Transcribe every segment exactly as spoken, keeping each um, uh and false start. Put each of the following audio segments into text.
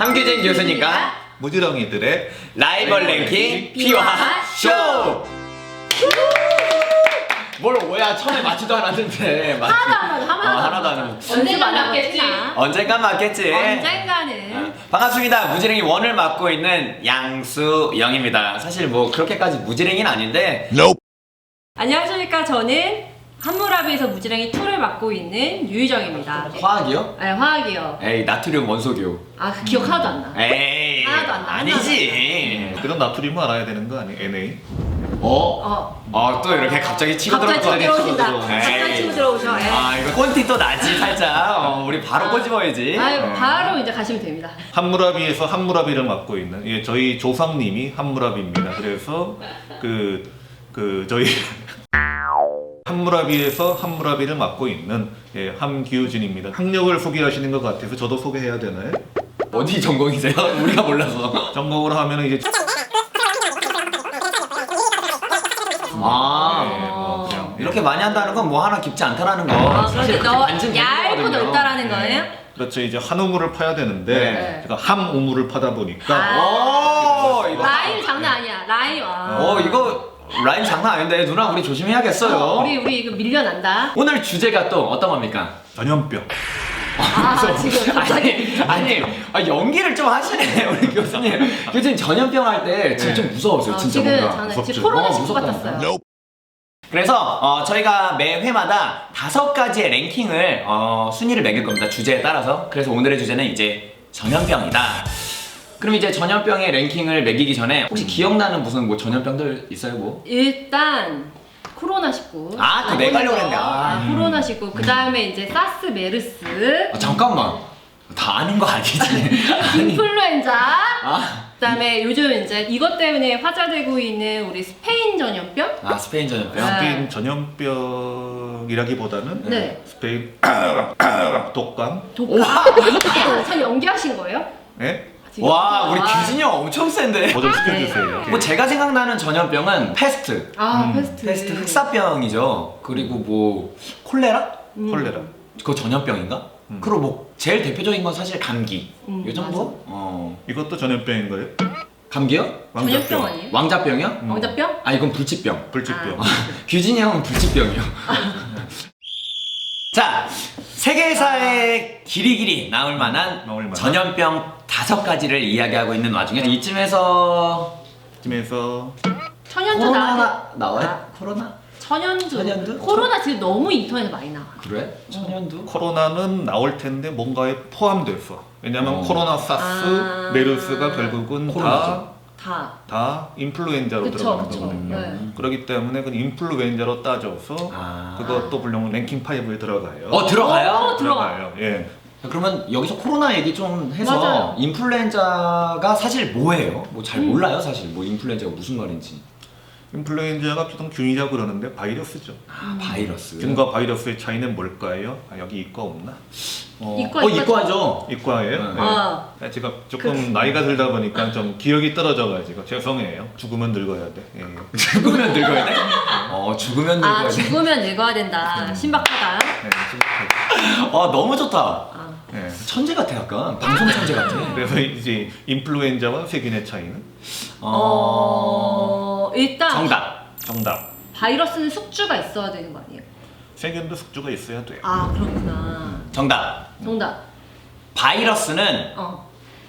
함규진 교수님과 무지렁이들의 라이벌 랭킹 비화 쇼! 뭘 오야 처음에 맞지도 않았는데 맞... 하나도 안 하죠. 하나도, 아, 하나도 안 하죠. 언젠간 맞겠지. 언젠간 맞겠지. 언젠가는. 반갑습니다. 무지랭이 원을 맡고 있는 양수영입니다. 사실 뭐 그렇게까지 무지랭이는 아닌데 nope. 안녕하십니까. 저는 한무라비에서 무지랭이 이를 맡고 있는 유희정입니다. 화학이요? 네, 화학이요. 에이 나트륨 원소교. 아, 그 기억 하나도 안 나. 에이 하나도 안 나. 아니지. 그런 나트륨을 알아야 되는 거 아니에요? 엔에이? 어? 어. 어, 또 이렇게 갑자기 치고 갑자기 치고 들어올 거 들어오신다. 아니야, 치고 들어오네. 갑자기 에이. 치고 들어오셔. 예. 아 이거 꼰티 또 나지 살짝. 어, 우리 바로 아. 꼬집어야지. 아유, 바로 이제 가시면 됩니다. 한무라비에서 한무라비를 맡고 있는 예, 저희 조상님이 한무라비입니다. 그래서 그, 그 저희 한무라비에서 한무라비를 맡고 있는 예, 함기우진입니다. 학력을 소개하시는 것 같아서 저도 소개해야 되나요? 어디 전공이세요? 우리가 몰라서. 전공으로 하면 이제 아 예, 뭐 그냥 이렇게 많이 한다는 건 뭐 하나 깊지 않다라는 거. 아, 사실 그런데 너 완전 얇고 재밌거든요. 넓다라는 거예요? 그렇죠. 이제 한 우물을 파야 되는데 네. 제가 함 우물을 파다 보니까 아. 오 이거. 라임 장난 아니야. 라임. 와. 어 이거 라인 장난 아닌데 누나 우리 조심해야겠어요. 어, 우리 우리 이거 밀려난다. 오늘 주제가 또 어떤 겁니까? 전염병. 아, 지금 갑자기. 아니, 아니 아, 연기를 좀 하시네 우리 교수님. 교수님 전염병 할 때 지금 네. 좀 무서웠어요 어, 진짜 지금 뭔가. 장난 무섭죠. 지금 코로나 어, 십구 무섭다. 같았어요. 그래서 어, 저희가 매 회마다 다섯 가지의 랭킹을 어, 순위를 매길 겁니다. 주제에 따라서. 그래서 오늘의 주제는 이제 전염병이다. 그럼 이제 전염병의 랭킹을 매기기 전에 혹시 기억나는 무슨 뭐 전염병들 있어요 뭐? 일단 코로나 십구. 아, 그거 내가 하려고 그랬는데. 아. 아, 코로나 십구. 그다음에 이제 사스, 메르스, 아, 잠깐만. 다 아는 거 아니지? 인플루엔자. 아, 그다음에 요즘 이제 이것 때문에 화제되고 있는 우리 스페인 전염병. 아 스페인 전염병. 아. 스페인 전염병이라기보다는 네. 스페인 독감. 독감. 참 연기하신 거예요? 예? 지금? 와 우리 아. 규진이 형 엄청 센데. 뭐 좀 시켜주세요. 뭐 제가 생각나는 전염병은 페스트. 아, 음, 페스트. 페스트 흑사병이죠. 그리고 뭐 콜레라? 음. 콜레라. 그거 전염병인가? 음. 그리고 뭐 제일 대표적인 건 사실 감기. 음, 요 정도? 어. 이것도 전염병인 거예요? 감기요? 전염병 아니에요? 왕자병이요? 음. 왕자병? 아 이건 불치병. 불치병. 아. 규진이 형은 불치병이요. 자, 세계사에 길이길이 나올 만한 나올 만한? 전염병 다섯 가지를 이야기하고 있는 와중에 이쯤에서 이쯤에서 천연두 나와. 코로나가 나와요? 아. 코로나? 천연두. 천연두? 코로나 지금 너무 인터넷에 많이 나와. 그래? 천연두? 코로나는 나올 텐데 뭔가에 포함됐어. 왜냐면 어. 코로나, 사스, 아. 메르스가 결국은 다, 코로나죠. 다. 다 인플루엔자로 그쵸, 들어가는 그쵸. 거거든요. 네. 그렇기 때문에 그 인플루엔자로 따져서 아. 그것도 물론 랭킹 파이브에 들어가요. 어 들어가요? 어, 들어가. 들어가요. 예. 그러면 여기서 코로나 얘기 좀 해서 맞아요. 인플루엔자가 사실 뭐예요? 뭐 잘 음. 몰라요 사실 뭐 인플루엔자가 무슨 말인지. 인플루엔자가 보통 균이라고 그러는데 바이러스죠. 아 바이러스. 균과 바이러스의 차이는 뭘까요? 아, 여기 이과 없나? 어, 이과, 어 이과 이과죠. 이과예요? 네. 어. 네. 제가 조금 나이가 들다 보니까 좀 기억이 떨어져가지고 죄송해요. 죽으면 늙어야 돼. 예. 죽으면 늙어야 돼? 어 죽으면 늙어야 아, 돼. 죽으면 늙어야 된다. 신박하다. 네, 심각하죠. 아 너무 좋다. 아. 네. 천재 같아 약간 방송 천재 같아. 그래서 이제 인플루엔자와 세균의 차이는 어, 일단 정답. 정답. 바이러스는 숙주가 있어야 되는 거 아니에요? 세균도 숙주가 있어야 돼요. 아, 그렇구나. 정답. 정답. 바이러스는 어.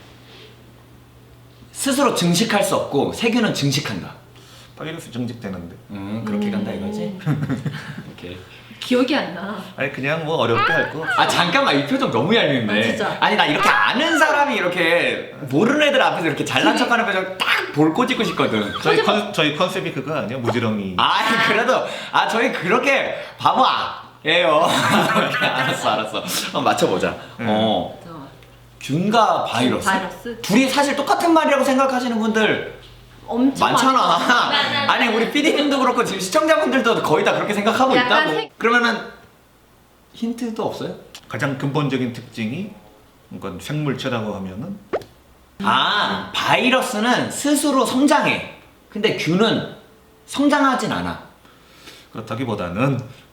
스스로 증식할 수 없고 세균은 증식한다. 바이러스 정직되는데. 음 그렇게 간다 이거지. 이렇게. 기억이 안 나. 아니 그냥 뭐 어렵게 할 거. 아 잠깐만 이 표정 너무 얄미운데. 아, 진짜. 아니 나 이렇게 아는 사람이 이렇게 모르는 애들 앞에서 이렇게 잘난 척하는 표정 딱 볼 꼬집고 싶거든. 저희 컨 저희 컨셉이 그거 아니야? 무지렁이. 아니 그래도 아 저희 그렇게 바보 예요. 알았어 알았어. 한번 맞춰보자. 음. 어 어. 균과 바이러스. 바이러스? 둘이 사실 똑같은 말이라고 생각하시는 분들 엄청 많잖아. 많아. 아니 우리 피디님도 그렇고 지금 시청자분들도 거의 다 그렇게 생각하고 약간 있다고. 색- 그러면은 힌트도 없어요? 가장 근본적인 특징이 그러니까 생물체라고 하면은 아 바이러스는 스스로 성장해. 근데 균은 성장하진 않아. 그렇다기보다는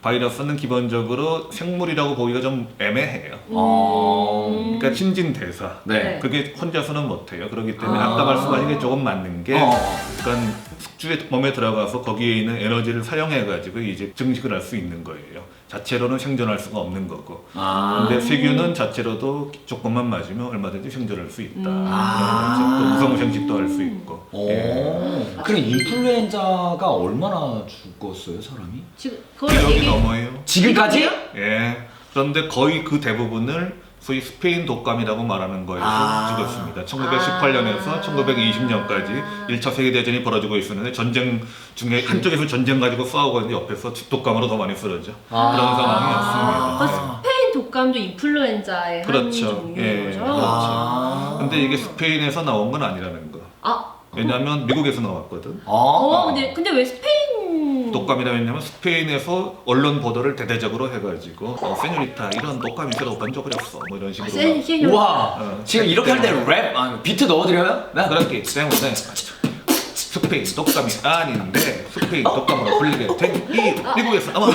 바이러스는 기본적으로 생물이라고 보기가 좀 애매해요. 어. 그러니까 신진대사. 네. 그게 혼자서는 못해요. 그렇기 때문에 아. 아까 말씀하신 게 조금 맞는 게, 어. 그러니까 숙주의 몸에 들어가서 거기에 있는 에너지를 사용해가지고 이제 증식을 할 수 있는 거예요. 자체로는 생존할 수가 없는 거고. 아. 근데 세균은 자체로도 조금만 맞으면 얼마든지 생존할 수 있다. 음. 아. 또 무성생식도 할 수 있고. 오. 예. 그럼 인플루엔자가 얼마나 죽었어요, 사람이? 지금 그걸 일억이 얘기. 넘어요. 지금까지? 예. 그런데 거의 그 대부분을 소위 스페인 독감이라고 말하는 거에서 아. 죽었습니다. 천구백십팔 년에서 아. 천구백이십 년까지 일 차 세계대전이 벌어지고 있었는데 전쟁 중에 한쪽에서 전쟁 가지고 싸우고 있는데 옆에서 독감으로 더 많이 쓰러져. 아. 그런 아, 상황이었습니다. 스페인 독감도 인플루엔자의 한 그렇죠. 종류인 예. 거죠. 그렇죠. 아. 근데 이게 스페인에서 나온 건 아니라는 거. 아, 왜냐하면 미국에서 나왔거든. 어. 어, 근데 근데 왜 스페인 독감이라 했냐면 스페인에서 언론 보도를 대대적으로 해가지고 어, 세뇨리타 이런 독감이 있어도 번쩍 그렸어 뭐 이런 아, 식으로 센 센. 우와. 어. 지금 이렇게 할 때 랩, 아, 비트 넣어드려요? 네. 그렇기 때문에 스페인 독감이 아닌데 스페인 독감으로 불리게 된 이 미국에서 아마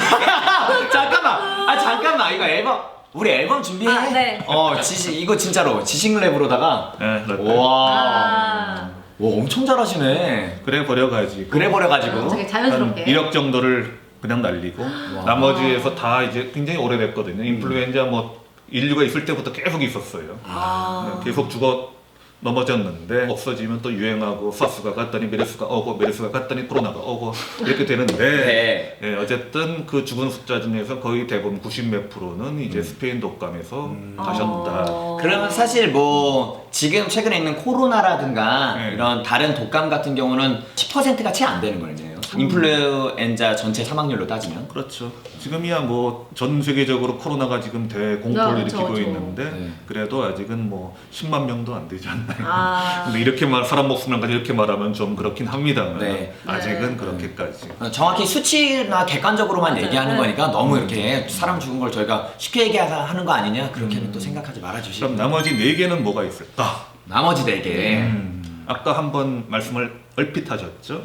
잠깐만. 아 잠깐만. 이거 앨범 우리 앨범 준비해. 아, 네. 어 지식 이거 진짜로 지식 랩으로다가. 예, 그렇다. 와. 아, 와 엄청 잘하시네. 그래 버려가지고 그래 버려가지고. 되게 한 자연스럽게. 일억 정도를 그냥 날리고 나머지에서 다 이제 굉장히 오래됐거든요. 인플루엔자 뭐 인류가 있을 때부터 계속 있었어요. 아. 계속 죽어 넘어졌는데 없어지면 또 유행하고 사스가 갔더니 메르스가 오고 메르스가 갔더니 코로나가 오고 이렇게 되는데 네. 예, 어쨌든 그 죽은 숫자 중에서 거의 대부분 구십 몇 프로는 이제 스페인 독감에서 가셨다. 어. 그러면 사실 뭐 지금 최근에 있는 코로나라든가 네. 이런 다른 독감 같은 경우는 십 퍼센트가 채 안 되는 거네요. 인플루엔자 전체 사망률로 따지면. 그렇죠. 지금이야 뭐 전 세계적으로 코로나가 지금 대공포를 아, 그렇죠, 일으키고 그렇죠. 있는데 네. 그래도 아직은 뭐 십만 명도 안 되지 않나요? 아. 근데 이렇게 말 사람 목숨을까지 이렇게 말하면 좀 그렇긴 합니다만 네. 아직은 네. 그렇게까지. 어, 정확히 수치나 객관적으로만 맞아요. 얘기하는 네. 거니까 너무 이렇게 사람 죽은 걸 저희가 쉽게 얘기하는 거 아니냐 그렇게는 또 생각하지 말아주시고. 그럼 나머지 네 개는 뭐가 있을까? 나머지 네 개. 음, 아까 한번 말씀을 얼핏 하셨죠?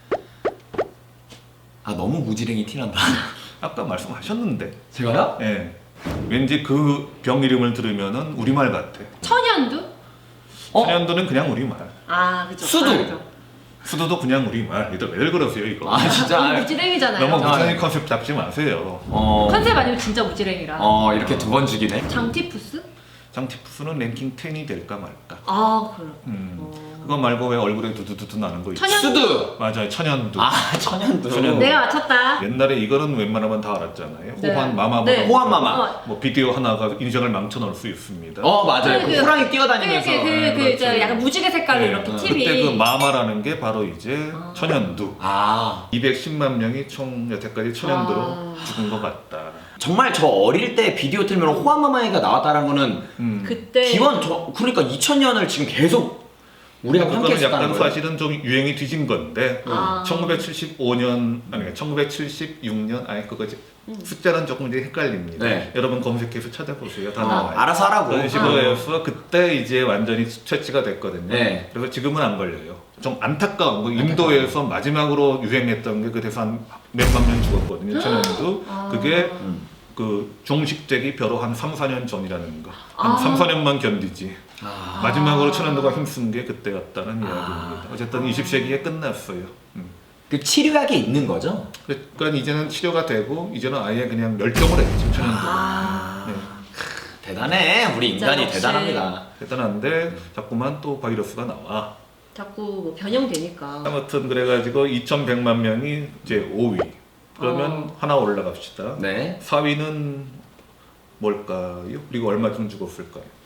아 너무 무지랭이 티난다. 아까 말씀하셨는데, 제가요? 예, 왠지 그 병 이름을 들으면은 우리말 같아. 천연두? 어? 천연두는 그냥 우리말. 아, 그죠. 수두. 아, 그죠. 수도도 그냥 우리말. 이들 왜 그러세요 이거? 아 진짜. 너무 무지랭이잖아요. 너무 아, 무상의 네. 컨셉 잡지 마세요. 어. 컨셉 아니면 진짜 무지랭이라. 어 이렇게 두 번 죽이네. 장티푸스? 장티푸스는 랭킹 텐이 될까 말까. 아, 그래. 음, 어. 그거 말고 왜 얼굴에 두두두두 나는 거 있죠? 천연- 수두. 맞아요, 천연두. 아 천연두. 천연두. 내가 맞췄다. 옛날에 이거는 웬만하면 다 알았잖아요. 네. 호환 마마보다 네. 호환 마마. 어, 뭐 비디오 하나가 인생을 망쳐놓을 수 있습니다. 어 맞아요. 그 그- 호랑이 뛰어다니면서. 그, 그, 그, 네, 그, 그렇죠. 저 약간 무지개 색깔로 네. 이렇게 어, 티비. 그때 그 마마라는 게 바로 이제 아. 천연두. 아 이백십만 명이 총 여태까지 천연두로 아. 죽은 것 같다. 정말 저 어릴 때 비디오 틀면 호환마마이가 나왔다는 거는 음. 그때. 기원 저 그러니까 이천 년을 지금 계속 우리가 함께 그거는 했었다는 약간 거예요. 사실은 좀 유행이 뒤진 건데 아. 천구백칠십오 년 아니 천구백칠십육 년 아니 그거 이제 숫자는 조금 이제 헷갈립니다. 네. 여러분 검색해서 찾아보세요. 다 아, 나와요. 알아서 하라고. 그런 식으로 해서 그때 이제 완전히 퇴치가 됐거든요. 네. 그래서 지금은 안 걸려요. 좀 안타까운 거 인도에서 마지막으로 유행했던 게 그래서 한 몇만 명 죽었거든요. 천연두. 아. 그게 음. 그 종식되기 벼로 한 삼, 사 년 전이라는 거. 한 아. 삼, 사 년만 견디지. 아. 마지막으로 천연두가 힘쓴 게 그때였다는 아. 이야기입니다. 어쨌든 이십 세기에 끝났어요. 음. 그 치료약이 있는 거죠? 그러니까 이제는 치료가 되고 이제는 아예 그냥 멸종을 했죠 천연두. 아. 네. 대단해. 우리 진짜 인간이 역시. 대단합니다. 대단한데 자꾸만 또 바이러스가 나와. 자꾸 뭐 변형되니까. 아무튼 그래가지고 이천백만 명이 이제 오 위. 그러면 어. 하나 올라갑시다. 네. 사 위는 뭘까요? 그리고 얼마쯤 죽었을까요?